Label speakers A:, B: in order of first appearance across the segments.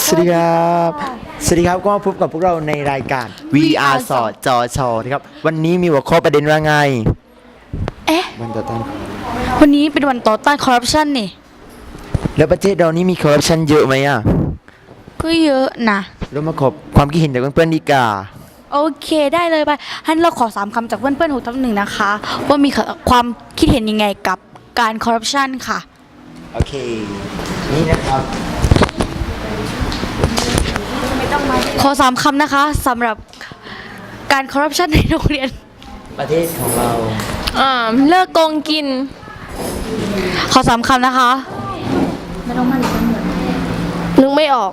A: สวัสดีครับสวัสดีครับก็มาพบกับพวกเราในรายการ VR สอจอชอนะครับวันนี้มีหัวข้อประเด็นว่าไงวันต่อต้าน
B: วันนี้เป็นวันต่อต้านคอร์รัปชันนี่
A: แล้วประเทศเรานี่มีคอร์รัปชันเยอะไหมอ่ะ
B: ก็เยอะนะ
A: เรามาขอความคิดเห็นจากเพื่อนๆดีกว่า
B: โอเคได้เลยไปฮันเราขอ3 คำจากเพื่อนๆ6/1นะคะ ว่ามีความคิดเห็นยังไงกับการคอร์รัปชันค่ะ
A: โอเคนี่นะครับ
B: ขอ3 คำนะคะสำหรับการคอร์รัปชันในโรงเรียน
A: ประเทศของเรา
C: เลิกโกงกิน
B: ขอ3 คำนะคะ
C: นึกไม่ออก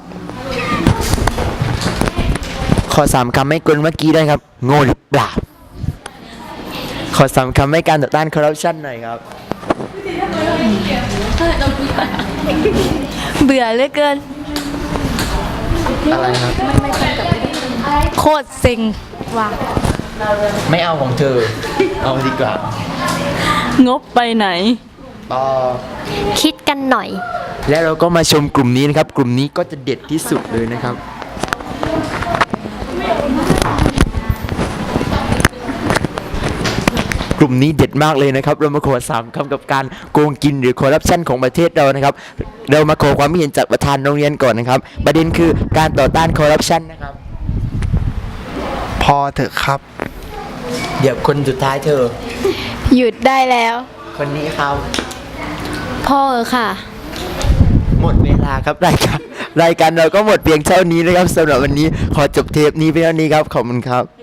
A: ขอ3 คำให้กลเมื่อกี้ได้ครับโง่หรือเปล่าขอ3 คำให้การต่อต้านคอร์รัปชันหน่อยครับ
B: เบื่อเหลือเกิน
A: อะไรครับ
B: โคตรเซ็งว่ะ
A: ไม่เอาของเธอเอาดีกว่าง
B: บไปไหน
A: ต่อ
C: คิดกันหน่อย
A: และเราก็มาชมกลุ่มนี้นะครับ กลุ่มนี้ก็จะเด็ดที่สุดเลยนะครับ กลุ่มนี้เด็ดมากเลยนะครับ เรามาขอ3 คำกับการโกงกินหรือคอร์รัปชันของประเทศเรานะครับ เรามาขอความเห็นจากประธานโรงเรียนก่อนนะครับ ประเด็นคือการต่อต้านคอร์รัปชันนะครับ
D: พอเถอะครับ
A: เดี๋ยวคนสุดท้ายเธอ
C: หยุดได้แล้ว
A: คนนี้ครับ
C: พ่อค่ะ
A: หมดเวลาครับรายการเราก็หมดเพียงเท่านี้นะครับสำหรับวันนี้ขอจบเทปนี้เพียงเท่านี้ครับขอบคุณครับ